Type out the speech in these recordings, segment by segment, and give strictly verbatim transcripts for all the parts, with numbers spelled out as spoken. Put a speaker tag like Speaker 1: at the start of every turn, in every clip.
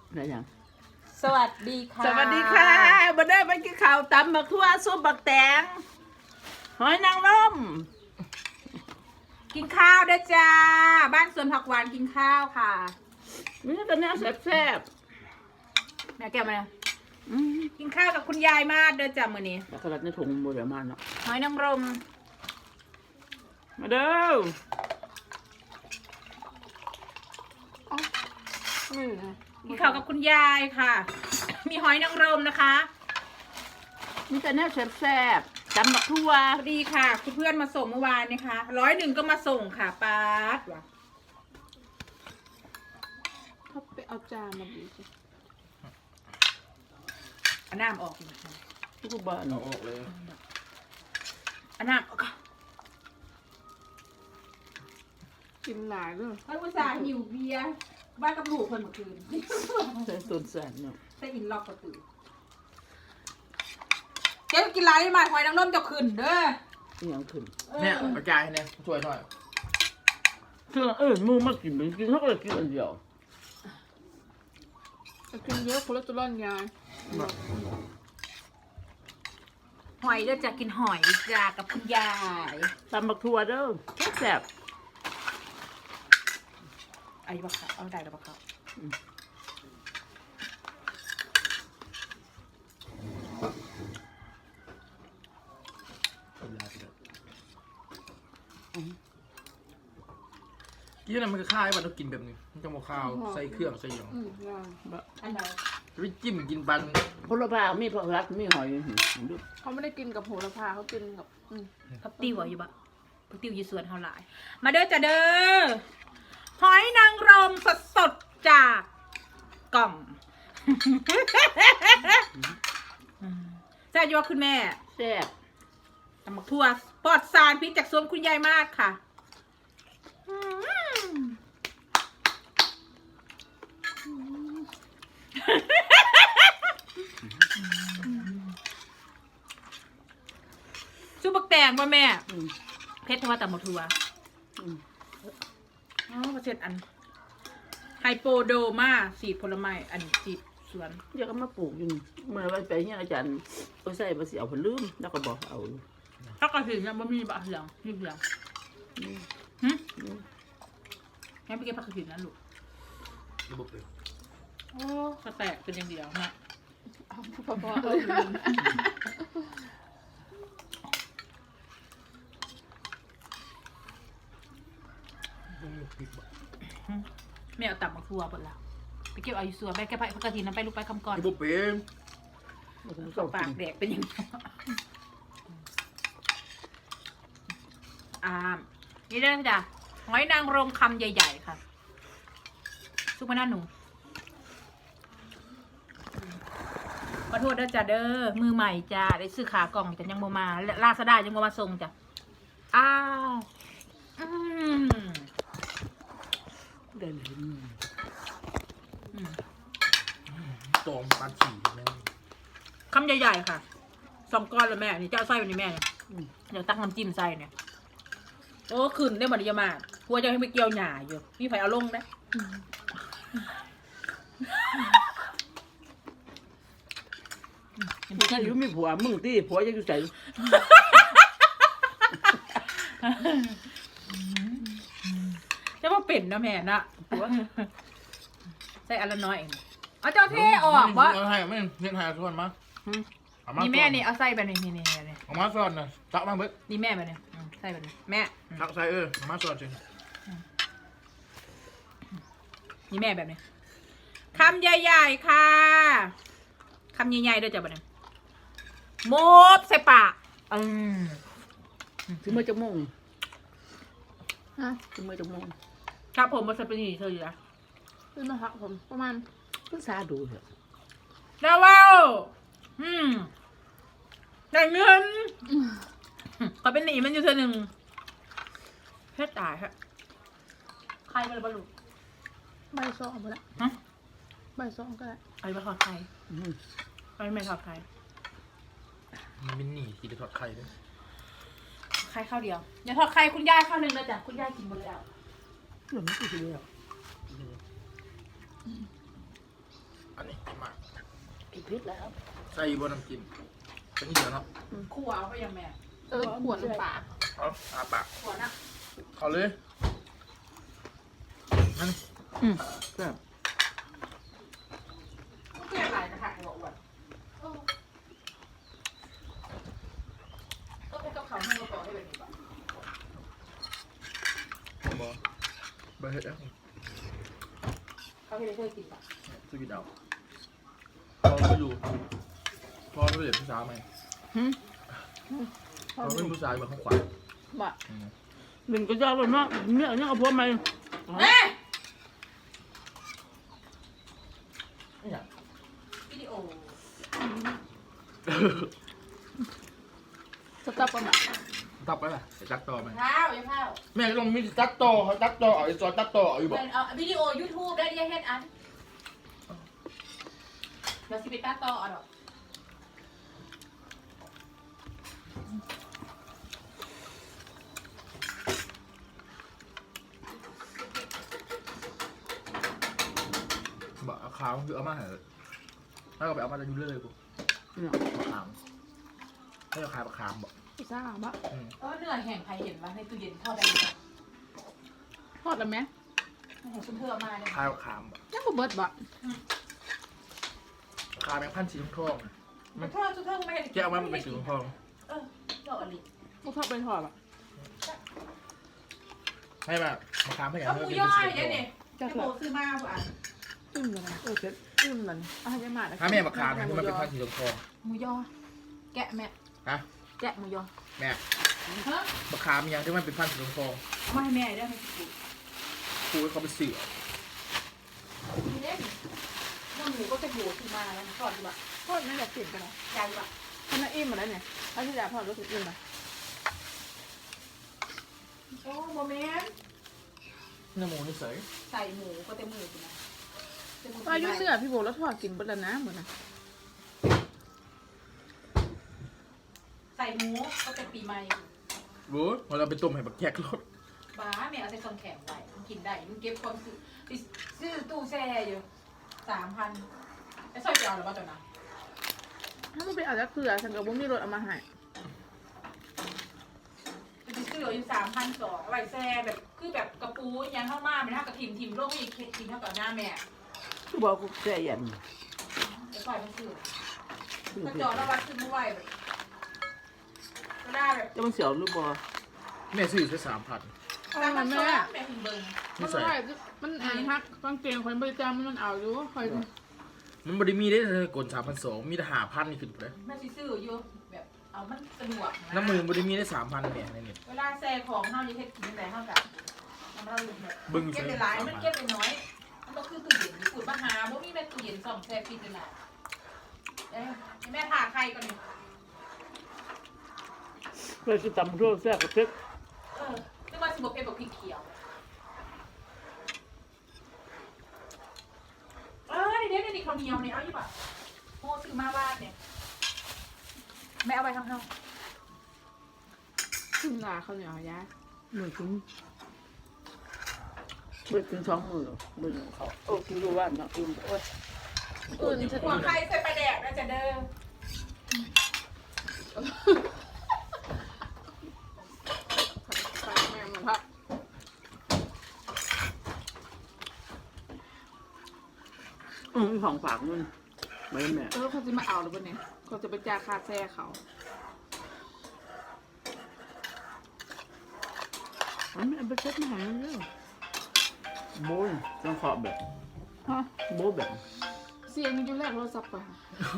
Speaker 1: อะไรอย่าง
Speaker 2: สวัสดีค่ะ
Speaker 1: สวัสดีค่ะมาได้ไปกินข้าวตำบักทั่วซุปบักแตงหอยนางรม
Speaker 2: กินข้าวด้วยจ้าบ้านสวนผักหวานกินข้าวค่ะ
Speaker 1: นี่ก็เนื้อแซ่บ
Speaker 2: แม่แก้วมา
Speaker 1: ๆอืม
Speaker 2: กินข้าวกับคุณยายมาเด้อจ้ามื้อนี้
Speaker 1: แล้วก็รัดในถุงมือเดี๋ยวมาเนาะ
Speaker 2: หอยนางรม
Speaker 1: มาเด้อ
Speaker 3: ไม่นะ
Speaker 2: กินข้าวกับคุณยายค่ะ มีหอยนางรมนะคะ
Speaker 1: นี่ก็เนื้อแซ่บๆตำบักทั่ว
Speaker 2: สวัสดีค่ะคุณเพื่อนมาส่งเมื่อวานนะคะร้อยหนึ่งก็มาส่งค่ะป๊าดว่ะ
Speaker 3: เขาไปเอาจานมาดีสิ
Speaker 2: เอาน้ำออกดีกว่า
Speaker 1: ทุกบ้าน
Speaker 4: เอาออกเลย
Speaker 2: เอาน้ำออกก่อน
Speaker 3: กินหลายด้วย
Speaker 2: เฮ้ยอุตส่าห์หิวเบียร์บ้านกับลูกเพิ่นเมื่อคืน
Speaker 1: ใส่ต้นแสนเนาะ
Speaker 2: ใส่อินล็อกประตูเจ๊กินไรมาหอยนางรมจะขึ้นเด้อ
Speaker 1: นี่ยังขึ้น
Speaker 4: เนี่ยกระจายเนี่ยช่วยหน่อย
Speaker 1: เครื่องเออมูมากินไปกินเขาก็เลยกินอันเดียว
Speaker 3: จะกินเยอะคอเลสเตอรอลยาย
Speaker 2: หอยเด้อจะกินหอยจ้ากับคุณยาย
Speaker 1: ตำบักทั่วเด้อแซ่บ
Speaker 2: เอาอยู่ปะคะเอาได้แล้วปะคะ
Speaker 4: กินอะไรมันก็ข้าวมันต้องกินแบบนี้มันจะมาข้าวใส่เครื่องใส่หยัง
Speaker 3: อืมยาย
Speaker 2: อันไหน
Speaker 4: ไปจิ้มกินปัน
Speaker 1: พลพามีผักรักมีหอยดู
Speaker 3: เขาไม่ได้กินกับโหระพาเขากินกับอืม
Speaker 2: พักติวอะอยู่ปะพักติวอยู่สวนเท่าไหร่มาเด้อจ้าเด้อหอยนางรมสดสดๆจากกล่องแซ่บอยู่ว่าคุณแม่
Speaker 1: แซ่บ
Speaker 2: ตำบักทั่วปลอดสารพิษจากสวนคุณยายมากค่ะอืมซุปบักแตงป่ะแม่
Speaker 1: อืม
Speaker 2: เพชรทว่าตำบักทั่ว
Speaker 1: อืม
Speaker 2: อ๋อประเทศอันไฮโปโดมาสีดผลไม้อันสีดสวน
Speaker 1: เดี๋ยวก็มาปลูกอยู่นี่เมื่อวันไปเนี่ยอาจารย์ก็ใส่ภาษีเอาผลลืมแล้วก็บอกเอา
Speaker 2: ถ้ากระถิ่นยังไม่มีบะเหลืองมีเหลืองหึงั้นไปเก็บผักกระถิ่นนะลูก
Speaker 4: ระบบเลย
Speaker 2: โอ้กระแตกเป็นอย่างเดียวนะ
Speaker 3: เอาพอพอเออ
Speaker 2: แม่เอาตับมาทัวหมดแล้วไปเก็บเอาอยู่สวนไปเก็บผักกระถิ่นนั้นไปลูกไปคำก่อน
Speaker 4: ระบบเป็น
Speaker 2: ปากแดกเป็นอย่างนี้อ่านี่ได้จ้ะหอยนางรมคำใหญ่ๆค่ะซุปมะนาวหนูขอโทษเด้อจ้ะเด้อมือใหม่จ้าได้ซื้อขากล่องแต่ยังโมมาลาซาด้ายังโมมาส่งจ้ะอ้าวอืม
Speaker 1: เดินเห็น
Speaker 2: อืม
Speaker 4: ตองปลาฉี่แม่ง
Speaker 2: คำใหญ่ๆค่ะสองก้อนเลยแม่นี่เจ้าไส้วันนี้แม่เนี่ยเดี๋ยวตักน้ำจิ้มใส่เนี่ยโอ้ขึ้นได้หมดเยอะมากกลัวจะให้ไปเกี่ยวหน่าอยู่พี่ไผ่เอาลงนะ
Speaker 1: มึงอยู่มีผัวมึงที่ผัวยังอยู่ใส่
Speaker 2: จะว่าเป็นนะแม่นะผัวใส่อันละน้อยเองเอาเจ้าเท่ออกวะ
Speaker 4: เอาให้ไม่เห็นหาส่วนมาเอามา
Speaker 2: นี่แม่นี่เอาใส่แบบนี้นี่นี่นี่
Speaker 4: เอามาส่วนนะตักมาเบิด
Speaker 2: นี่แม่แบบนี้อืมใส่แบบนี้แม่อืม
Speaker 4: ตักใส่เออเอามาส่วนจริง
Speaker 2: นี่แม่แบบนี้คำใหญ่ๆค่ะคำใหญ่ๆด้วยจ้ะแบบนี้โมบใส่ปากอืม
Speaker 1: ถึงเมื่อจะโมง
Speaker 3: ฮะ
Speaker 1: ถึงเมื่อจะโมง
Speaker 2: ครับผมมาสเปนีเธออยู่นะ
Speaker 3: ขึ้นมาหักผมประมาณ
Speaker 1: เพิ่งซาดูเถอะ
Speaker 2: ดาวว้าวอืมได้เงินขอเป็นหนีมันอยู่เธอหนึ่งเพชรตายฮะใครมาเลยบรรลุ
Speaker 3: ใบซองไปแล้ว
Speaker 2: ฮะ
Speaker 3: ใบซองก็ได้
Speaker 2: ใครมาทอดไข่
Speaker 1: อืม
Speaker 2: ใครไม่ทอดไข่
Speaker 4: มันเป็นหนีกินทอดไข่ด้วย
Speaker 2: ไข่ข้าวเดียวอย่าทอดไข่คุณยายข้าวหนึ่งเลยจ้ะคุณยายกินหมดแล้ว
Speaker 1: เรื่องนี้คือเรื่อง
Speaker 4: อันนี้กินมาก
Speaker 1: กินพริกแล้ว
Speaker 4: ใส่บนน้ำกินเป็นอีเดียวเนาะ
Speaker 2: คู่เอาไปยังแม่
Speaker 3: เออขวดน้ำปลา
Speaker 4: เอาอาปาก
Speaker 2: ขวดนะ
Speaker 4: เอาเลยนั่น
Speaker 1: อืมแบบ
Speaker 2: เพื่อนหลายกระถางหัวอวดก็ไปกับเขาให้เราต่อให้แบบนี้ป่ะ
Speaker 4: บอเบอร์เฮ็ดแล้ว
Speaker 2: เขาให้เพื่อนกินป่ะ
Speaker 4: สกิดเอาพอก็อยู่พอไม่เด็ดผู้สาวไหม
Speaker 1: หืม
Speaker 4: พอไม่ผู้สาวแบบข้างขวา
Speaker 1: บ่
Speaker 4: อืม
Speaker 1: หนึ่งก็ยากเลยเนาะเนี่ยเนี่ยเอาพวกมา
Speaker 2: แม่
Speaker 4: นี่อย่าง
Speaker 2: วิดีโอ
Speaker 3: สต๊อปประมาณ
Speaker 4: ตับไปล่ะจะตัดต่อไหม
Speaker 2: ข้าวยังข้าว
Speaker 4: แม่ลองมีตัดต่อเขาตัดต่อเอาไอ้จอตัดต่อเอาอยู่บอก
Speaker 2: เอาวิดีโอยูทูบได้ดิเฮ็ดอันเราสิไปตัดต่อเอาดอก
Speaker 4: บอกเอาขาวคือเอามาเหรอแล้วก็ไปเอามาจะยุ่เลยกู
Speaker 1: เนี่ย
Speaker 4: ปลาขามให้เอาขายปลาขามบอก
Speaker 3: พิซซ่าบะ
Speaker 4: อืม
Speaker 2: เออเนื้อแห้งใครเห็นว่าในตู้เย็นทอดได้ไหม
Speaker 3: ทอดแล้วไหม
Speaker 2: โอ้โหคุณเธอมาเนี่ย
Speaker 4: ขายปลาขามบอก
Speaker 3: ยังบ่เบิดบะ
Speaker 4: ปลาขามแมงพันธุ์สีทองๆนะ
Speaker 2: มันทอดทุกท่านไม่เห็น
Speaker 4: แกะออกมามันเป็นสีทอง
Speaker 2: เออดอกอะไร
Speaker 3: บ่ทอดเป็นทอดบะ
Speaker 4: ๆให้แบบปลาขามให้อย่าง
Speaker 2: เอาหมูย่อยเนี่ยเนี่ย
Speaker 3: จะ
Speaker 2: ไอ้
Speaker 3: เถ
Speaker 2: โบ
Speaker 3: อะ
Speaker 2: ซื้อมาป่ะ
Speaker 3: จิ้มเลยนะเออเซ็ตจิ้มเลยอ่ะยังมา
Speaker 4: ถ้าแม่ปลาขามเนี่ยมันเป็นพันธุ์สีทอง
Speaker 2: หมูย่อแกะแม่
Speaker 4: ๆฮะ
Speaker 2: แกะหมูย่อ
Speaker 4: แม่
Speaker 2: ฮะ
Speaker 4: ปลาขามอย่างที่มันเป็นพันธุ์สีทอง
Speaker 2: เอามาให้แม่ได้ไหมคุณ
Speaker 4: ๆครูให้เขาไปเสือ
Speaker 2: มีเล่นน้ำหมูก็จะโบซื้อมาแล้วทอดดีป่ะ
Speaker 3: ทอดไม่อยากกินกันนะ
Speaker 2: ยายป่ะ
Speaker 3: ทำน้ำอิ่มหมดแล้วเนี่ยเอาที่อยากทอดรู้สึกอิ่มไหม
Speaker 2: โอ้โมเมนต์
Speaker 4: เนื้อหมูนี่เสย
Speaker 2: ใส่หมูก็เต็มมือคุณนะ
Speaker 3: อายุเนื้อพี่โบแล้วทอดกินเบิดแล้วนะเหมือนนะ
Speaker 2: ใส่หมูก็เป็นปีใหม่
Speaker 4: รู้พอเราไปต้มให้บักแขกรส
Speaker 2: บ้าแม่เอาใส่ซองแข็งไว้มันกินได้มันเก็บความซื้อไปซื้อตู้แช่อยู่สามพันไอ้ซอยเจียวหรือเปล่าจ๊ะนะ
Speaker 3: ถ้ามันเป็นอาจจะเกลือฉันกับว่ามีรสเอามาให้
Speaker 2: ไปซื้ออยู่สามพันสองไว้แช่แบบคือแบบกระปูยังเข้ามาไม่เท่ากับทิมทิมโลกไม่อีกทิมเท่ากับหน้าแม่
Speaker 1: คือบอกกูแก่ยัน
Speaker 2: ไอ้ซอยมันซื้อก็จอแล้ววัดซื้อไม่ไหวแบบก็ได้แบบ
Speaker 1: จะมันเสียวหรือบ่
Speaker 4: แม่ซื้อแค่สามพัน
Speaker 3: เอามาแม่
Speaker 2: แม่ถึงเบิ้ง
Speaker 3: มันไม่ได้มันอ่านฮักกางเกงคนบริจาคมันเอาอยู่คอย
Speaker 4: มันบริมีได้เลยกลสามพันสองมีแต่หาพันนี่ขึ้นไปเลย
Speaker 2: แม่ซื้ออยู่แบบเอามันสะดวก
Speaker 4: น้ำมือบริมีได้สามพันเนี่ยในนี้
Speaker 2: เวลาแซ่ของเท่านี้เฮ็ดกินแต่เท่ากับทำเราแบบ
Speaker 4: บึ้ง
Speaker 2: เก็บไปหลายมันเก็บไปน้อยมันก็คือตู้เย็นขุดมาหาบ่มีแม่ตู้เย็นส่องแซ่ฟิตเลยล่ะเอ้ยแม่ผ่าใครก่อนนี่
Speaker 1: เคยกินตำรั่วแซ่บกับพริก
Speaker 2: เออนึกว่าสิบ่เป็นบ่พริกเขียวเออเดี๋ยวเดี๋ยวนี่ข้าวเหนียวนี่เอาอยู่ป่ะโม่ซื้อมาบ้านเนี่ยแม่เอาไปทางเฮา
Speaker 3: ขึ้นลาเขาเหนียวยา
Speaker 1: เหมือนกินเบิดถึงสองมือเบิดเขาโอ้กินรู้ว่าเนาะอิ่มโอ้ย
Speaker 3: อื่นจะ
Speaker 2: หัวไข่ใส่ปลาแดกนะจ๊ะเด้อ
Speaker 3: แม่มันพัก
Speaker 1: อืมของฝากมันไม่แม่
Speaker 3: เออเขาจะมาเอาหรือเปล่าเนี่ยเขาจะไปจ่ายค่าแซ่เขา
Speaker 1: มันไม่เอาไปเช็ดมาหาเรื่องโบยต้องขอบแบบ
Speaker 3: ฮะ
Speaker 1: โบยแบบ
Speaker 3: เสียงมันอยู่แรกโทรศัพท์ป่ะ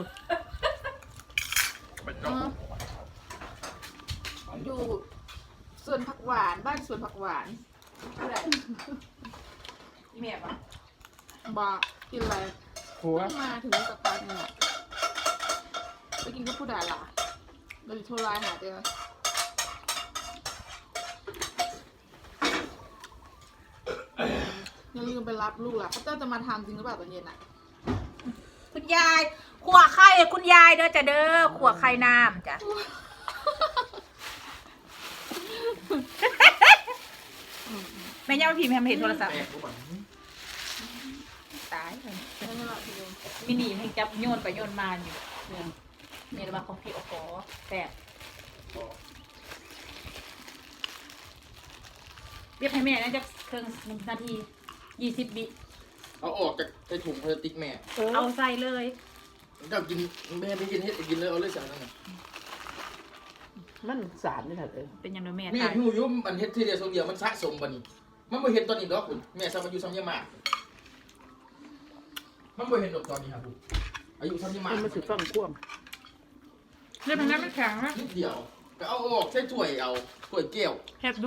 Speaker 4: เป็น
Speaker 3: เอ
Speaker 4: เนาะ
Speaker 3: ออยู่สวนผักหวานบ้านสวนผักหวาน
Speaker 2: ผู้ใดอีแม่ปะ
Speaker 3: บากินอะไร
Speaker 4: หัว
Speaker 3: เพิ่งมาถึงสักพักหนึงอะไปกินกับผู้ด่าล่ะเราจะโทรไลน์หาเจออย่าลืมไปรับลูกล่ะเขาเจ้าจะมาทำจริงหรือเปล่าตอนเย็นอ่ะ
Speaker 2: คุณยายขัวไข่คุณยายเด้อจ้ะเด้อขัวไข่น้ำจ้ะ แม่ย่าพิมพ์ให้มาเห็นโทรศัพท์
Speaker 4: แม่กูบอก
Speaker 2: ตายเลย
Speaker 3: ไม่เป็นไรพี่โยม
Speaker 2: มินิให้จับโยนไปโยนมาอยู่เนี่ยนี่ระบาของพี่โอ้โหแปดเรียกให้แม่นะจะเครื่องหนึ่งนาทียี่สิบบิ
Speaker 4: เอาออกจากไอ้ถุงพลาสติกแม่
Speaker 2: เอาใส่เลย
Speaker 4: เจ้ากินแม่ได้กินเฮ็ดกินเลยเอาเลยสั่งนั่นน่ะ
Speaker 1: มันสารนี่แหละเออ
Speaker 2: เป็นยังไงแม่
Speaker 4: แม่
Speaker 2: ตาย
Speaker 4: พี่อยู่มันเฮ็ดทีเดียวสองเดียวมันสะสมบัดนี้มันบ่เห็นตอนนี้ดอกคุณแม่ซ้ำอายุซ้ำยามากมันบ่เห็นดอกตอนนี้ครับคุณอายุซ้ำยามาก
Speaker 1: มันมาสิฟังควม
Speaker 2: เรียกมันได้ไม่แข็งนะ
Speaker 4: นิดเดียวก็เอาออกใช้ถ้วยเอาถ้วยแก้ว
Speaker 2: เฮ็ดดู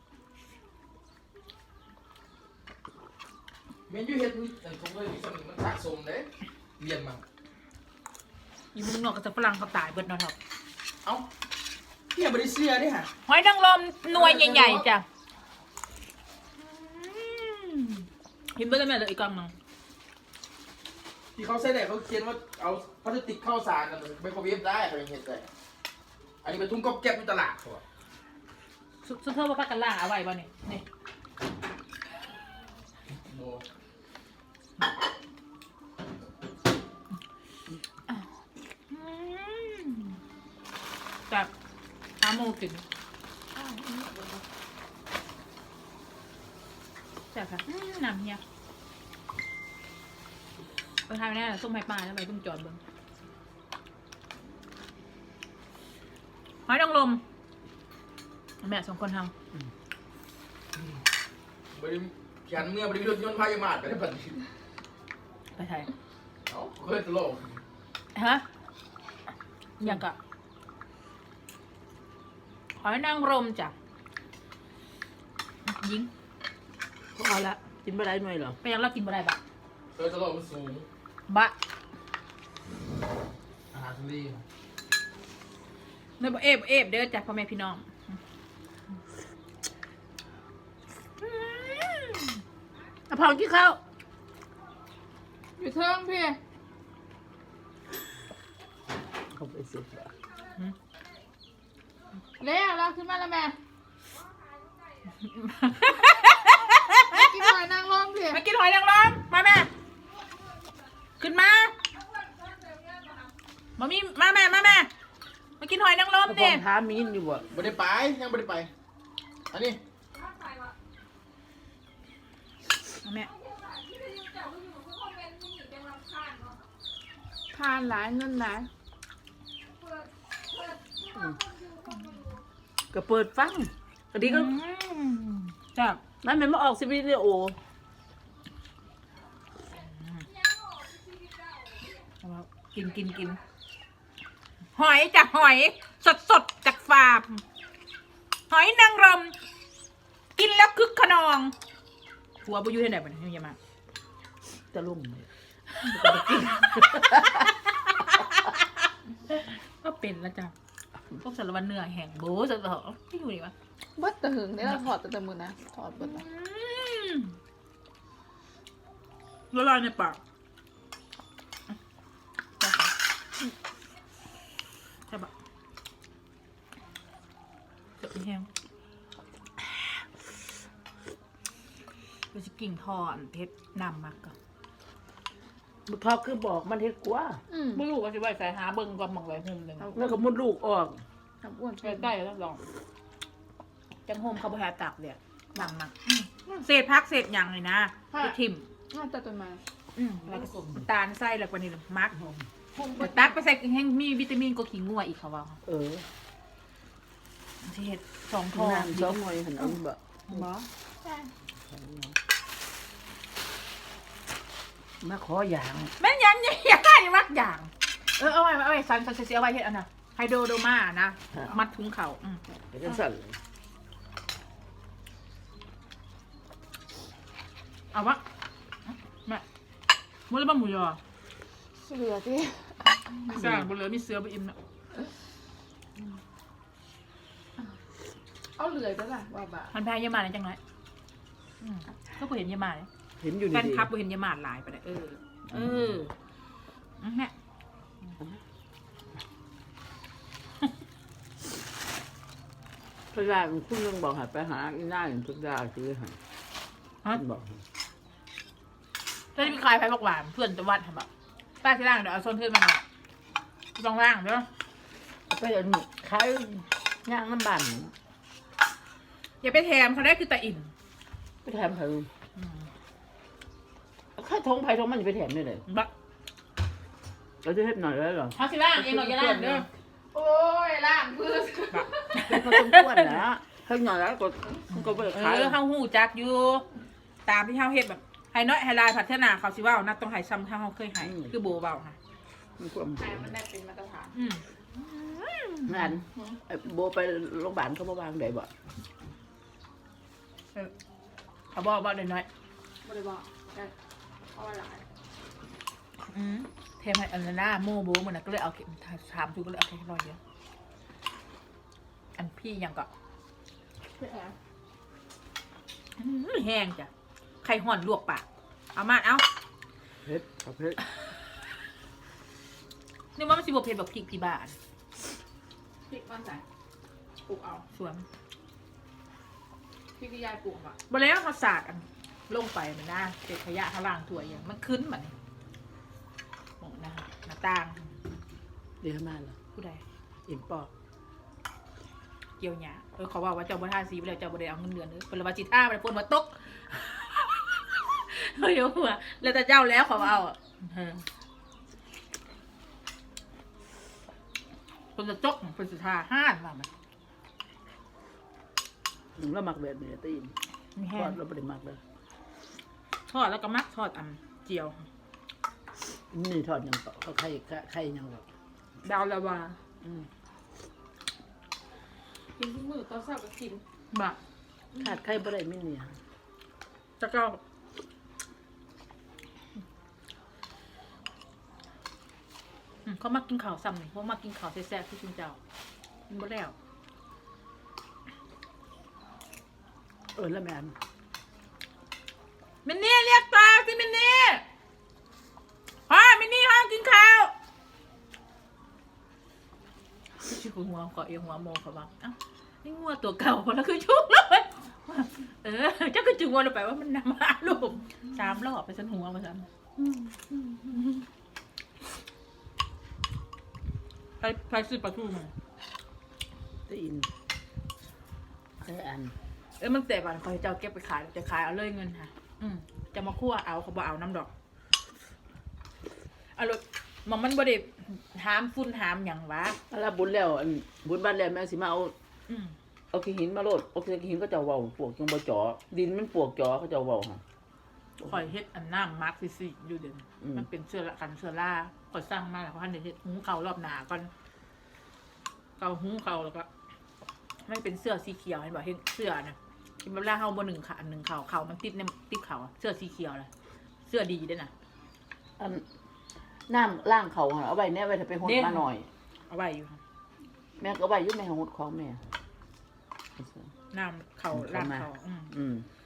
Speaker 4: แม่อยู่เฮ็ดนี่อันของเลยซ้ำนี่มันสะสมเด้เรียนมา
Speaker 2: อยู่เมืองนอกก็จะฝรั่งเขาตายเบิดเนาะครับ
Speaker 4: เอ้าเนี่ยบ่ได้เสียเด้ฮะ
Speaker 2: หอยนางรมหน่วยใหญ่ๆจ้ะเห็นเบิดแล้วแม่เหลืออีกกล่องหนึง
Speaker 4: ที่เขาใส่ได้เขาเขียนว่าเอาพลาสติกเข้าสารกันไมโครเวฟได้เขายังเฮ็ดได้อันนี้เป็นทุ่งก๊อบแก๊บในตลาดเขาอะ
Speaker 2: ซุซุปเปอร์ว่าพักกันล่างเอาไว้บ่นี่นี่
Speaker 4: โอ้
Speaker 2: แบบหาโมกินแซ่บค่ะอื้อน้ำเฮียไปทานแน่ส้มไผ่ปลาแล้วไปเพิ่งจอดเบิ่งหอยนางรมแม่สองคนท
Speaker 4: บริแขนเมื่อบริวิโรจน์ยนต์พายามาดไปได้ปัจจุบัน
Speaker 2: ำไปไทย
Speaker 4: เอ้าเคยตลก
Speaker 2: ฮะยังกะหอยนางรมจ้ะยิง
Speaker 1: เขาเอาละกินไม่ได้หน่อยเหรอ
Speaker 2: ไปยังเรากินบ่ได้บะ
Speaker 4: เคยตลกมันสูง
Speaker 2: บะ
Speaker 4: อาหารทะเล
Speaker 2: เนื้อบ่เอฟเอฟเด้อจ้ะพ่อแม่พี่น้อง
Speaker 1: อะพองกินข้าว
Speaker 3: อยู่เทิงพี่
Speaker 1: เขาไปเสีย
Speaker 3: เร็วเราขึ้นมาแล้วแม่กินหอยนางรมพี่
Speaker 2: มากินหอยนางรมมาแม่ขึ้นมามามีมาแม่มาแม่มากินหอยนางรม
Speaker 1: อะพอ
Speaker 2: เนี่
Speaker 1: ง
Speaker 2: ย
Speaker 1: ท้ามีนอยู่บ่
Speaker 4: ไม่ได้ไปยังไม่ได้ไป อันนี้
Speaker 2: มาแม่
Speaker 3: ทานหลายเงินหลาย
Speaker 1: ก็เปิดฟังก็ดีก็
Speaker 2: จ้ะ
Speaker 1: นั่นมันมาออกซีวีดีโอ
Speaker 2: กินกินกินหอยจากหอยสดสดๆจากฟาร์มหอยนางรมกินแล้วคึกขนองหัวบุยูที่ไหนบ้างเนี่ยมา
Speaker 1: จะลุ่ม
Speaker 2: ก็เป็นแล้วจ้ะพวกสารวัตรเหนื่อยแห่งโบ้สัตว์เหรอที่อยู่นี่วะ
Speaker 3: เบิดตะหึงเนี่ยเราถอดแต่ตะมือนะถอดเบิดนะ
Speaker 2: ละลายในปากใช่ปะเจ็บแห้งเราจะกิ่งทออันเพชรนำมากก่อน
Speaker 1: บุเขาคือบอกมันเฮ็ดกว่า
Speaker 3: อืม
Speaker 2: ไม่รู้ว่าจะไปใส่หาเบิ้งก่อนมองไรหุ่มหนึ่ง
Speaker 1: แล้วก็มดลูกออก
Speaker 3: ทำอ้วน
Speaker 2: ใกล้ๆแล้วลองจังโฮมเขาบริหารตักเดี๋ยวหนังหนักเศษพักเศษหยังเลยนะไปทิม
Speaker 3: น่าจะต้นไม้
Speaker 2: อืมแล้วก็ตาลไส้แล้วกว่านี้เลยมักแต่ตักไปใส่แห้งมีวิตามินก็ขิงงัวอีกเขาว่า
Speaker 1: เออ
Speaker 2: ที่เห็ดสองทอ
Speaker 1: น้ำสองหน่อยหันเอาบ่
Speaker 2: บอ
Speaker 3: ใช่
Speaker 1: มาขออย่าง
Speaker 2: แม่นยังยังยังได้มักอย่าง เออเอาไว้เอาไว้ซันซันเสียเอาไว้เห็ดอันน่ะไฮโดรโดมานะมัดถุงเข่าอืม
Speaker 1: เป็นจังสั่น
Speaker 2: เอาวะแม่มือละบ้าหมูยอ
Speaker 3: เหลือที่
Speaker 2: สร้างบนเรือมีเสือไปอิ่มนะ
Speaker 3: เอาเหลือจ้ะล่ะว่าบ่า
Speaker 2: มันแพ้เยามาเลยจังไรอืมก็กูเห็นเยามาเลย
Speaker 1: เห็นอยู่
Speaker 2: แฟ
Speaker 1: นี่
Speaker 2: นคลับกูเห็นเยามาหลายไปเลยเออ เอออืมแม่
Speaker 1: พระราชคุณยังบอกให้ไปหาอีน่าอย่างทุกดาคือให้
Speaker 2: ฮะ
Speaker 1: บอก
Speaker 2: แล้วมีใครไปบอกหวานเพื่อนจะวัดทำแบบป้าที่ล่างเดี๋ยวเอาโซนขึ้นมาหน่อยลองล่างเดี๋ยว
Speaker 1: ไปอันนี้ขายย่างน้ำบัน
Speaker 2: อย่าไปแถมเขาได้คือตาอิ่ม
Speaker 1: ไปแถมเธอข้าทงไผ่ทงมันจะไปแถมได้เลย
Speaker 2: บะ
Speaker 1: เราจะเฮ็ดหน่อยได้หรอ
Speaker 2: เขาสิล่างเองหน่อยจะล่างเด้อ
Speaker 3: โอ้ยล่างพื้น
Speaker 1: มันต้องควรนะเฮ็ดหน่อยแล้วก็ก็ไป
Speaker 2: เอ
Speaker 1: ขาย
Speaker 2: อเฮาหูจักอยู่ ตามที่เฮาเฮ็ดแบบไฮน้อยไฮไลท์พัฒนาเขาสิว่านัดต้องไฮซ้ำถ้าเฮาเคยไฮคือโบเบาค่ะ
Speaker 1: มันควร
Speaker 3: ให้มันได้เป็นมาตรฐาน
Speaker 2: อืม
Speaker 1: งานไอ้โบไปโรงพยาบาลเขาบ่วางได้บ่
Speaker 2: เออเขาบอกว่าน้อย
Speaker 3: บริบอกได้เพราะว่าหลาย
Speaker 2: ๆอืมเทมให้อันนั้นนะโมโบมันนะก็เลยเอาเข็มถามทุกก็เลยเอาแค่ร้อยเดียวอันพี่ยังก็
Speaker 3: เพื่อแอบ
Speaker 2: อืมแห้งจ้ะไข่ห่อนลวกปากเอามาเอา
Speaker 1: เฮ็ดกับเฮ็ด
Speaker 2: นี่ว่ามันสิบเพ็ดแบบพริกที่บ้าน
Speaker 3: พริกมันใส่ปลูกเอา
Speaker 2: สวน
Speaker 3: พริกที่ยายปลูกอ่ะ
Speaker 2: บแล้วเขาสาดอันลงไปมันนะเศษขยะข้างล่างถั่วอย่างมันขึ้นมันโอ้นะคะหน้าต่าง
Speaker 1: เดี๋ยวมาล่ะ
Speaker 2: ผู้ใด
Speaker 1: อิ่มปอก
Speaker 2: เกี่ยวหยาเออเขาว่าว่าเจ้าบัท่าสีไปแล้วเจ้าบัได้เอาเงินเดือนเออเป็นละวาจิต้าไปปนมาตกเฮ้ยหัวแล้วแต่เจ้าแล้วเขาเอาอ่ะเออคนจะจกคนสุดท้ายห้านว่ามัน
Speaker 1: หนึ่งแล้วมักแบบนี้ตีน
Speaker 2: มี
Speaker 1: ท
Speaker 2: แห้
Speaker 1: อง ดแล้วบ่ได้มักเลย
Speaker 2: ทอดแล้วก็มักทอดอ่ำเจียว
Speaker 1: นี่ทอดหยังก็เขาไข่ไข่หยังก็
Speaker 2: ดาวละวา
Speaker 1: อืม
Speaker 3: กินทุกมื้อตอนเช้าก็กิน
Speaker 2: บะ
Speaker 1: ขาดไข่บ่ได้มีเนี่ย
Speaker 2: จะก็อืมเขามากินข้าวซ้ำนี่เขามากินข้าวแซ่บๆที่ชุนเจ้ามันบ่แล้ว
Speaker 1: เออแล้วแม่น
Speaker 2: มินนี่เรียกตาสิมินนี่พ่อมินนี่ห้องกินข้าวชื่อหัวเกาะเอียงหัวโมเขาบอกเอ้านี่งัวตัวเก่าคนละคือชุกเลยเออเจ้าก็จึงวนไปว่ามันนำมาลูกสามรอบไปสันหัวมาสันใครใครซื้อปลาทูมา
Speaker 1: ตีนไข่อัน
Speaker 2: เอ้ยมันแต่บันคอยเจ้าเก็บไปขายจะขายเอาเลยเงินค่ะ อืมจะมาคั่วเอาเขาบอกเอาน้ำดอกเอาเลยมันมันบ่ได้หามฟุ้นหามอย่างวะ
Speaker 1: แล้วบุญแล้วอันบุญบ้านแล้วแม่สิมาเอา
Speaker 2: อืม
Speaker 1: เอาขี้หินมาโลดเอาขี้หินก็จะเว้าปวกจังบ่จ่อดินมันปวกจ่อเขาจะเว้าหั่น
Speaker 2: คอยเฮ็ดอันน้ำมาร์คซิซี่อยู่เด่น
Speaker 1: อืม
Speaker 2: มันเป็นเสื้อละกันเสื้อล่าคอยสร้างมาแล้วเขาหันเดี๋ยวเฮ็ดหุงเขาวรอบหนาก่อนเกาหุงเขาวแล้วก็มันเป็นเสื้อสีเขียวเห็นบ่เห็นเสื้อนะที่เวลาเฮาบ่หนึ่งขาหนึ่งเขาเขามันติดในติดเขาอะเสื้อสีเขียวเลยเสื้อดีด้วยนะ
Speaker 1: อันน้ำล่างเขาหั่นเอาไว้แน่ไว้ถ้าไปหด
Speaker 2: เด้ง
Speaker 1: มาหน่อย
Speaker 2: เอาไว้อยู่ค่ะ
Speaker 1: แม่ก็เอาไว้อยู่ในหดของแม่
Speaker 2: น้ำเขาล่างเขาอืม
Speaker 1: อืม